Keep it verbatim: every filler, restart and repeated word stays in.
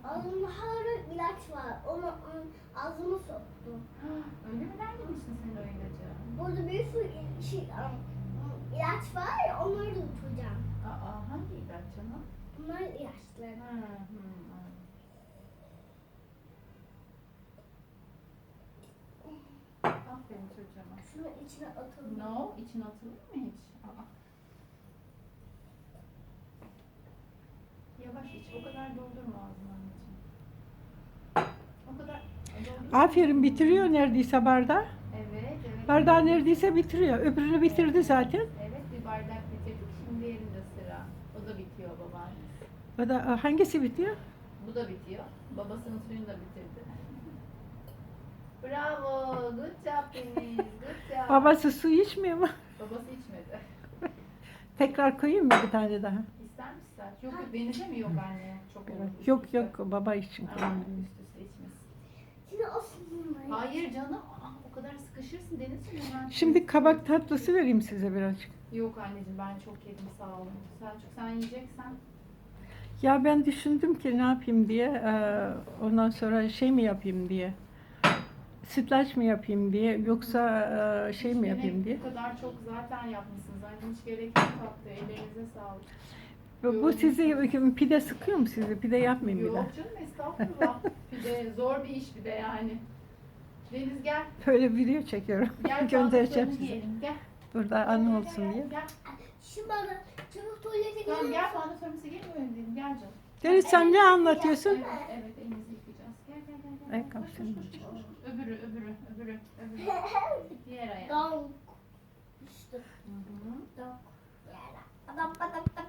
Ağzımda hala ilaç var. Onu ım, ağzıma soktum. Öyle mi? Nerede misin sen o ilacı? Burada bir sürü il- şey, ım, ım, ilaç var ya onları da tutacağım. Aa, hangi ilaç canım? Bunlar ilaçlar. Hı hı. Hı. Aferin çocuğuma. Şunun içine atalım. No, için atılır mı hiç? Aa. Yavaş iç, o kadar doldurma ağzını anneciğim. O kadar doldurma. Aferin, bitiriyor neredeyse bardağı. Evet, evet. Bardağı neredeyse bitiriyor. Öbürünü bitirdi zaten. Evet, bir bardak bitirdik. Şimdi diğerinde sıra. O da bitiyor babaannesi. O da hangisi bitiyor? Bu da bitiyor. Babasının suyunu da bitirdi. Bravo, good job Deniz, good job. Babası su içmiyor mu? Babası içmedi. Tekrar koyayım mı bir tane daha? İster misin sen? Yok yok, Deniz'e mi yok anne? Çok olur. üst Yok üste. yok, baba için Aa, koyayım. üst üste içmesin. Şimdi o sınırmayı. Hayır canım, aa, o kadar sıkışırsın Deniz'ciğim. hemen Şimdi şey- kabak tatlısı vereyim size birazcık. Yok anneciğim, ben çok yedim sağ olun. Selçuk sen yiyeceksen. Ya ben düşündüm ki ne yapayım diye, eee, ondan sonra şey mi yapayım diye, sütlaç mı yapayım diye, yoksa eee, şey mi Hiç yapayım gerek- diye. Bu kadar çok zaten yapmışsınız. Anne hiç gerek yok tatlı. Ellerinize sağlık. Bu, bu sizi pide sıkıyor mu sizi? Pide yapmayayım bir daha. Yok canım estağfurullah. Bir de zor bir iş bir de yani. Deniz gel. Böyle video çekiyorum. Gel Göndereceğim tatlılarını size. yiyelim. Gel. Burada Gel, anı gel, olsun gel, diye. Gel. Şimdi bana çabuk tuvalete Tamam gidelim. gel falan sonrası gelmiyor dedim. Gel canım. Deniz sen ne anlatıyorsun? Evet evet elinizi yıkayacağız. Gel gel gel. gel. Ayakkabı Koş, koş, senin koş, koş, koş. Öbürü öbürü öbürü öbürü. Diğer ayağı. Dal. İşte. Hı hı. Dal. Yara. Adam adam adam.